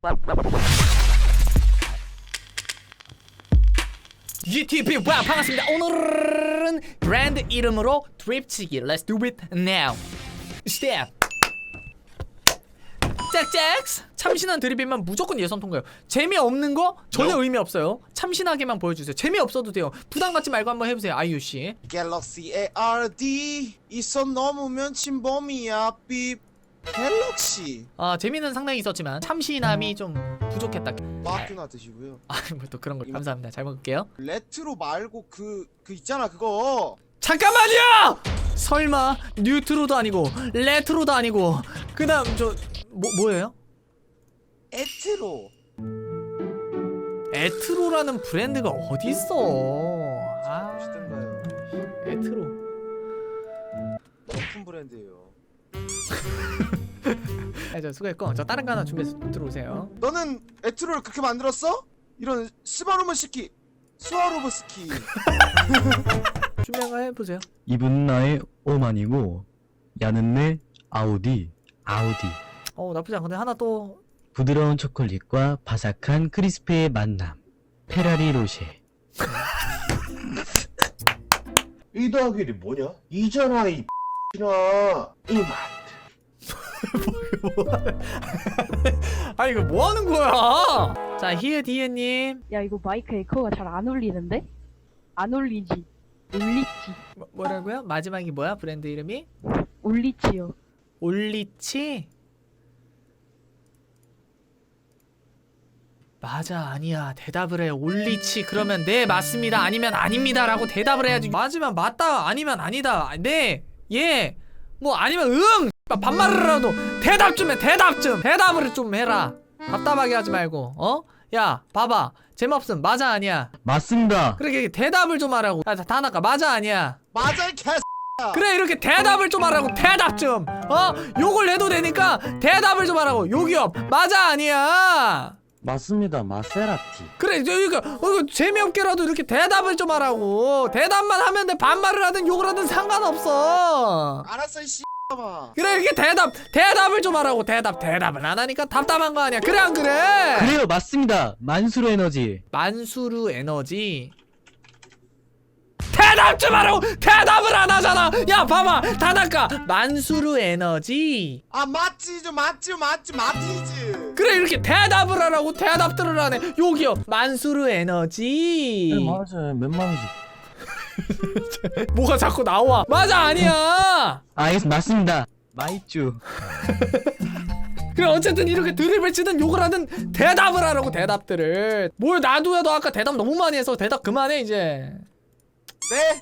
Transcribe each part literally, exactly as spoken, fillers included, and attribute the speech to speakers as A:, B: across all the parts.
A: 유튜브 와 반갑습니다. 오늘은 브랜드 이름으로 드립치기. Let's do it now. Step. 짝짝. 참신한 드립이면 무조건 예선 통과요. 재미없는 거 전혀 no. 의미 없어요. 참신하게만 보여주세요. 재미없어도 돼요. 부담 갖지 말고 한번 해보세요. 아이유씨.
B: 갤럭시 에이알디 이 손 넘으면 침범이야 삐. 갤럭시.
A: 아 재미는 상당히 있었지만 참신함이 좀 부족했다.
B: 마크나 드시고요.
A: 아 뭐 또 그런 거 감사합니다. 잘 먹을게요.
B: 레트로 말고 그 그 있잖아 그거.
A: 잠깐만요. 설마 뉴트로도 아니고 레트로도 아니고 그다음 저 뭐 뭐예요?
B: 에트로.
A: 에트로라는 브랜드가 어디 있어? 아,
B: 보시던가요.
A: 에트로.
B: 높은 브랜드예요.
A: 아, 저 수고했고 저 다른 거 하나 준비해서 들어오세요.
B: 너는 에트로를 그렇게 만들었어? 이런 스바루머스키, 스와로브스키.
A: 준비한 거 해보세요.
C: 이분 나의 오만이고 야는 내 아우디 아우디.
A: 어 나쁘지 않은데 하나 또.
C: 부드러운 초콜릿과 바삭한 크리스피의 만남 페라리 로쉐.
D: 이 더하기 일이 뭐냐? 이잖아 이 X나 이맛.
A: 아 이거 뭐 하는 거야? 자 히읗 히읗님.
E: 야 이거 마이크 에코가 잘 안 울리는데? 안 울리지. 울리지.
A: 뭐, 뭐라고요? 마지막이 뭐야? 브랜드 이름이?
E: 울리지요.
A: 올리치? 맞아 아니야 대답을 해. 올리치 그러면 네 맞습니다 아니면 아닙니다 라고 대답을 해야지. 맞으면 맞다 아니면 아니다 네 예 뭐 아니면 응 반말을 해도 대답 좀 해. 대답 좀 대답을 좀 해라. 답답하게 하지 말고. 어? 야 봐봐 재미없음 맞아 아니야.
C: 맞습니다.
A: 그렇게 대답을 좀 하라고. 야 다나카 맞아 아니야.
B: 맞아 이 개.
A: 그래 이렇게 대답을 좀 하라고. 대답 좀. 어? 욕을 내도 되니까 대답을 좀 하라고. 욕이요 맞아 아니야.
C: 맞습니다. 마세라티.
A: 그래 이거 이거 재미없게라도 이렇게 대답을 좀 하라고. 대답만 하면 돼. 반말을 하든 욕을 하든 상관없어.
B: 알았어 이 씨X봐.
A: 그래 이렇게 대답 대답을 좀 하라고. 대답 대답을 안 하니까 답답한 거 아니야. 그래 안 그래?
C: 그래요 맞습니다. 만수르 에너지.
A: 만수르 에너지. 대답 좀 하라고. 대답을 안 하잖아. 야 봐봐 다나카 만수르 에너지.
B: 아 맞지 좀 맞지 맞지 맞지지.
A: 그래 이렇게 대답을 하라고. 대답들을 하네. 여기요 만수르 에너지.
C: 네, 맞아요. 몇만 원씩.
A: 뭐가 자꾸 나와. 맞아 아니야.
C: 아 맞습니다. 마이쭈.
A: 그래 어쨌든 이렇게 드립을 치든 욕을 하든 대답을 하라고. 대답들을. 뭘 놔둬야. 너 아까 대답 너무 많이 해서 대답 그만해 이제.
B: 네.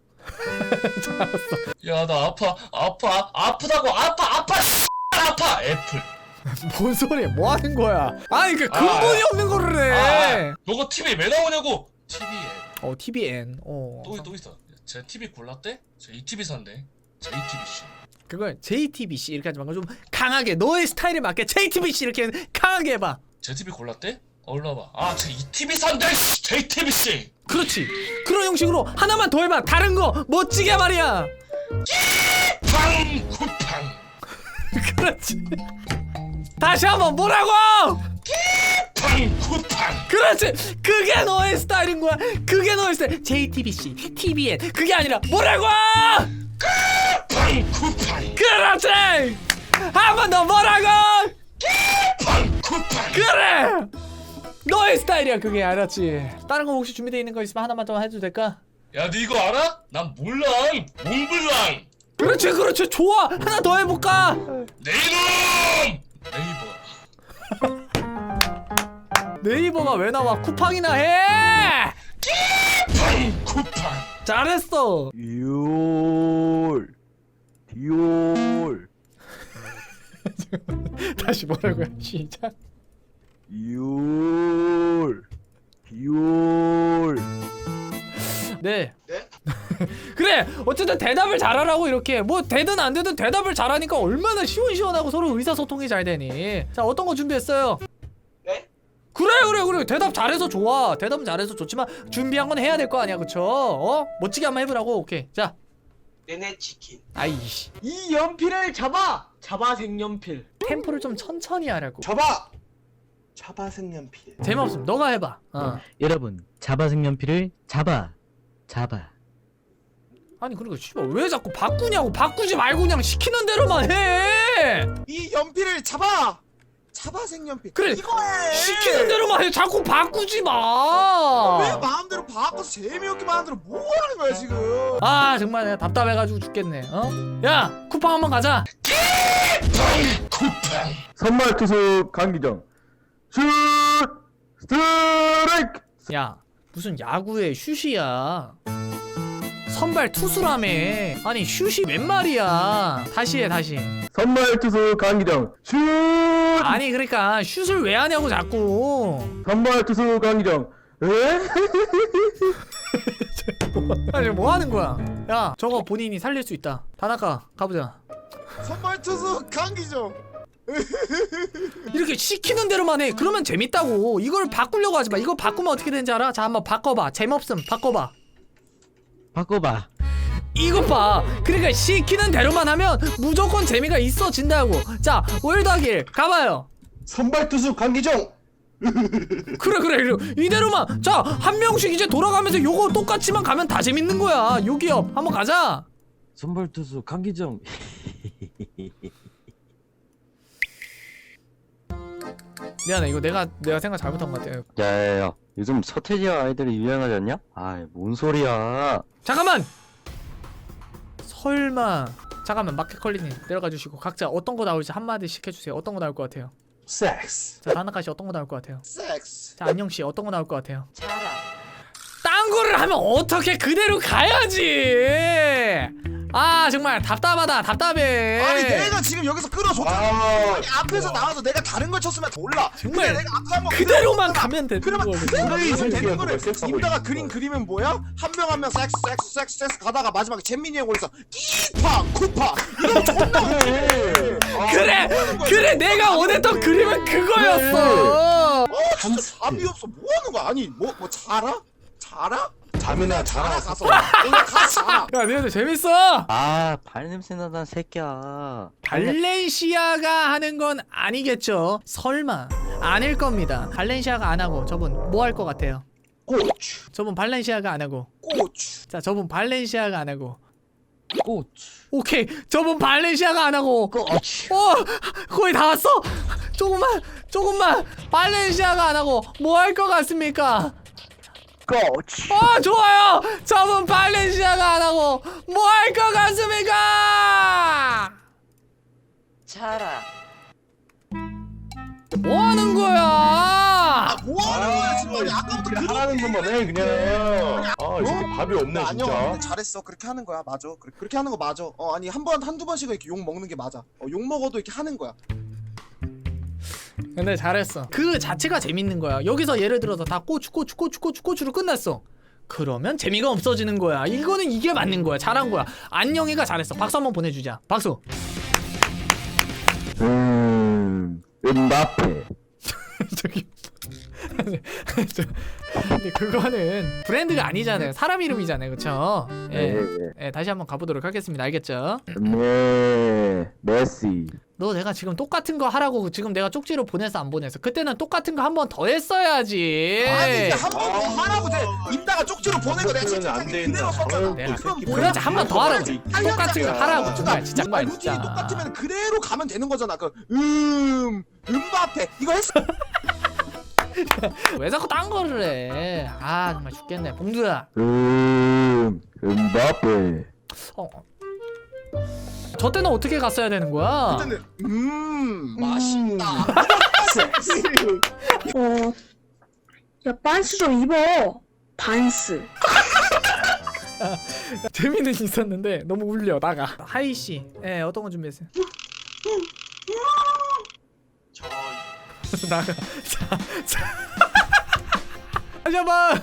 F: 야 나 아파 아파 아프다고 아파 아파 아파 애플.
A: 뭔 소리야 뭐 하는 거야. 아니 그 근본이
F: 아,
A: 없는 거를 해.
F: 아, 너가 티비에 왜 나오냐고. 티비에
A: 어 티비엔. 어
F: 또, 또 있어. 제 티비 골랐대? 제 이티비 산대. 제이티비씨.
A: 그걸 제이티비씨 이렇게 하지 말고 좀 강하게 너의 스타일에 맞게 제이티비씨 이렇게 강하게 해봐.
F: 제 티비 골랐대? 올라봐. 아, 제 이티비 산대. 제이티비씨.
A: 그렇지. 그런 형식으로 하나만 더 해봐. 다른 거 멋지게 말이야.
F: 팡 쿠팡.
A: 그렇지. 다시 한번 뭐라고?
F: 팡 쿠팡.
A: 그렇지. 그게 너의 스타일인 거야. 그게 너의 스타일. 제이티비씨, 티비엔 그게 아니라 뭐라고?
F: 팡 쿠팡.
A: 그렇지. 한 번 더 뭐라고?
F: 팡 쿠팡.
A: 그래. 너의 스타일이야 그게. 알았지? 다른 거 혹시 준비되어 있는 거 있으면 하나만 더 해도 될까?
F: 야, 너 이거 알아? 난 몰랑 몽블랑.
A: 그렇지 그렇지 좋아. 하나 더 해볼까?
F: 내 이놈. 네이버.
A: 네이버가 왜 나와? 쿠팡이나 해.
F: 팡 쿠팡.
A: 잘했어.
D: 디올 디올
A: 다시 뭐라고요? 시작.
D: 디올 디올.
A: 네.
B: 네?
A: 그래 어쨌든 대답을 잘하라고. 이렇게 뭐 되든 안 되든 대답을 잘하니까 얼마나 시원시원하고 서로 의사소통이 잘 되니. 자 어떤 거 준비했어요?
B: 네?
A: 그래 그래 그래 대답 잘해서 좋아. 대답은 잘해서 좋지만 준비한 건 해야 될 거 아니야 그쵸? 어? 멋지게 한번 해보라고. 오케이 자.
G: 내내 치킨.
A: 아이씨
G: 이 연필을 잡아. 잡아 색연필.
A: 템포를 좀 천천히 하라고.
B: 접어.
D: 잡아 색연필.
A: 재미없음. 너가 해봐. 어.
C: 여러분, 잡아 색연필을 잡아. 잡아.
A: 아니 그리고 씨발 왜 자꾸 바꾸냐고. 바꾸지 말고 그냥 시키는 대로만 해.
B: 이 연필을 잡아. 잡아 색연필.
A: 그래.
B: 이거 해.
A: 시키는 대로만 해. 자꾸 바꾸지 마.
B: 왜 마음대로 바꿔서 재미없게 만들어 뭐 하는 거야 지금?
A: 아 정말 내가 답답해가지고 죽겠네. 어? 야 쿠팡 한번 가자.
G: 선발 투수 강기정 슛 스트라이크.
A: 야 무슨 야구의 슛이야. 선발 투수라며. 아니 슛이 웬 말이야. 다시 해 다시.
G: 선발 투수 강기정 슛.
A: 아니 그러니까 슛을 왜 하냐고 자꾸.
G: 선발 투수 강기정. 에?
A: 아니 뭐 하는 거야. 야 저거 본인이 살릴 수 있다. 다나카 가보자.
B: 선발 투수 강기정.
A: 이렇게 시키는 대로만 해. 그러면 재밌다고. 이걸 바꾸려고 하지 마. 이거 바꾸면 어떻게 되는지 알아? 자 한번 바꿔봐. 재미없음 바꿔봐.
C: 바꿔봐.
A: 이것 봐. 그러니까 시키는 대로만 하면 무조건 재미가 있어진다고. 자 월드하길 가봐요.
D: 선발 투수 강기정.
A: 그래 그래 그래. 이대로만. 자 한 명씩 이제 돌아가면서 요거 똑같이만 가면 다 재밌는 거야. 요기업 한번 가자.
C: 선발 투수 강기정.
A: 미안해 이거 내가 내가 생각 잘못한 것 같아.
G: 야야야, 요즘 서태지와 아이들이 유행하지 않냐? 아이 뭔 소리야.
A: 잠깐만. 설마. 잠깐만 마켓컬리님 내려가 주시고 각자 어떤 거 나올지 한마디씩 해주세요. 어떤 거 나올 것 같아요?
D: 섹스.
A: 자 다나카씨 어떤 거 나올 것 같아요?
B: 섹스.
A: 자 안녕씨 어떤 거 나올 것 같아요? 딴 거를 하면 어떻게 그대로 가야지. 아 정말 답답하다. 답답해.
B: 아니 내가 지금 여기서 끌어줬잖아.
D: 아,
B: 아니 앞에서 나와서 내가 다른 걸 쳤으면 몰라.
A: 정말
B: 근데 내가 앞에 한번
A: 그대로만 가면 돼.
B: 그러면 그대로
D: 그래, 이
B: 가면
D: 새끼야,
B: 되는 거를
D: 그거 섹스하고
B: 임다가
D: 있는
B: 그린
D: 거.
B: 그림은 뭐야? 한 명 한 명 섹스 섹스 섹스 섹스 가다가 마지막에 잼민이 형 올려서 끼파 쿠파 이러면 존나 웃기네. 아,
A: 그래
B: 뭐 하는 거야,
A: 그래
B: 지금?
A: 내가 원했던 그림은 그거였어.
B: 어 진짜 답이 없어. 뭐 하는 거야? 아니 뭐 뭐 자라? 자라?
D: 잠이나
B: 자라
D: 자라.
B: 가서 오늘 가서 자라.
A: 야 니네들 재밌어.
C: 아, 발냄새 나단 새끼야.
A: 발렌시아가 하는 건 아니겠죠. 설마 아닐 겁니다. 발렌시아가 안 하고 저분 뭐 할 것 같아요?
D: 고추.
A: 저분 발렌시아가 안 하고.
B: 고추.
A: 자 저분 발렌시아가 안 하고.
C: 꽃.
A: 오케이 저분 발렌시아가 안 하고.
C: 꽃.
A: 어 거의 다 왔어. 조금만 조금만. 발렌시아가 안 하고 뭐 할 것 같습니까?
G: 코치.
A: 어 좋아요. 저분 발렌시아가 안 하고 뭐 할 것 같습니까?
H: 자라.
A: 뭐 하는 거야?
B: 아, 뭐 하는 거야 지금? 아니 아까부터
D: 그냥
B: 그런
D: 하라는 것만 해 그냥. 아, 이 새끼 밥이 없네
B: 안녕.
D: 진짜.
B: 근데 잘했어. 그렇게 하는 거야. 맞아. 그래, 그렇게 하는 거 맞아. 어 아니 한 번 한두 번씩은 이렇게 욕 먹는 게 맞아. 어, 욕 먹어도 이렇게 하는 거야.
A: 근데 잘했어. 그 자체가 재밌는 거야. 여기서 예를 들어서 다 고추 고추 고추 고추 고추로 끝났어. 그러면 재미가 없어지는 거야. 이거는 이게 맞는 거야. 잘한 거야. 안녕이가 잘했어. 박수 한번 보내주자. 박수.
G: 음 음바페.
A: 저기 저, 근데 그거는 브랜드가 아니잖아요. 사람 이름이잖아요. 그쵸? 예. 예, 다시 한번 가보도록 하겠습니다. 알겠죠?
G: 네 메시.
A: 너 내가 지금 똑같은 거 하라고 지금 내가 쪽지로 보냈어 안 보냈어? 그때는 똑같은 거 한 번 더 했어야지.
B: 아니 이제 한 번 더 하라고 돼. 입다가 쪽지로 보낸 거 내가
D: 그러면 안
B: 채팅창에
D: 된다.
B: 그대로 썼잖아.
A: 내가
B: 그럼
D: 새끼.
B: 뭐야?
A: 그렇지 한 번 더 하라고.
B: 팔
A: 똑같은 거
B: 년짜리야.
A: 하라고. 정말 진짜
B: 아니,
A: 정말
B: 루틴이
A: 진짜.
B: 똑같으면 그대로 가면 되는 거잖아. 그음 음바페 이거 했어.
A: 왜 자꾸 딴 거를 해? 아 정말 죽겠네. 봉두야.
G: 음 음바페.
A: 어. 어. 저 때는 어떻게 갔어야 되는 거야?
B: 그때는 음 맛있다.
I: 어, 야, 반스 좀 입어. 반스.
A: 재미는 있었는데 너무 울려 나가. 하이 씨, 예 어떤 거 준비했어요?
B: 저
A: 나가. 자, 자. 다시 한번.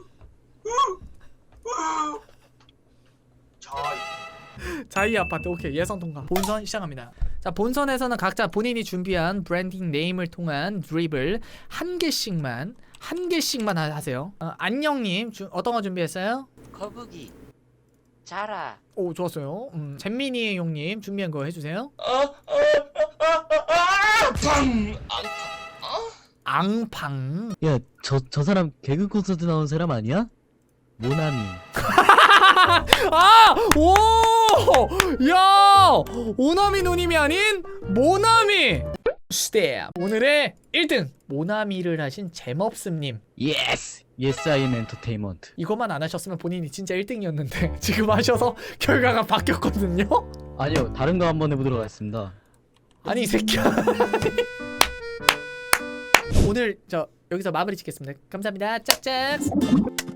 B: 저
A: 자이 아파트. 오케이 예선 통과. 본선 시작합니다. 자 본선에서는 각자 본인이 준비한 브랜딩 네임을 통한 드립을 한 개씩만 한 개씩만 하, 하세요. 어, 안녕님 주, 어떤 거 준비했어요?
H: 거북이. 자라.
A: 오 좋았어요. 음, 잼민이 형님 준비한 거 해주세요.
F: 아, 아, 아, 아, 아, 아, 방, 안, 아,
A: 앙팡.
C: 야, 저, 저 사람 개그 콘서트 나온 사람 아니야? 모나미.
A: 아! 오! 야! 오나미 누님이 아닌 모나미! 스텝! 오늘의 일 등! 모나미를 하신 잼업스님.
C: 예스! 예스 아이엠 엔터테인먼트.
A: 이것만 안 하셨으면 본인이 진짜 일 등이었는데 지금 하셔서 결과가 바뀌었거든요?
C: 아니요, 다른 거 한번 해보도록 하겠습니다.
A: 아니 이 새끼야. 오늘 저 여기서 마무리 짓겠습니다. 감사합니다. 짝짝.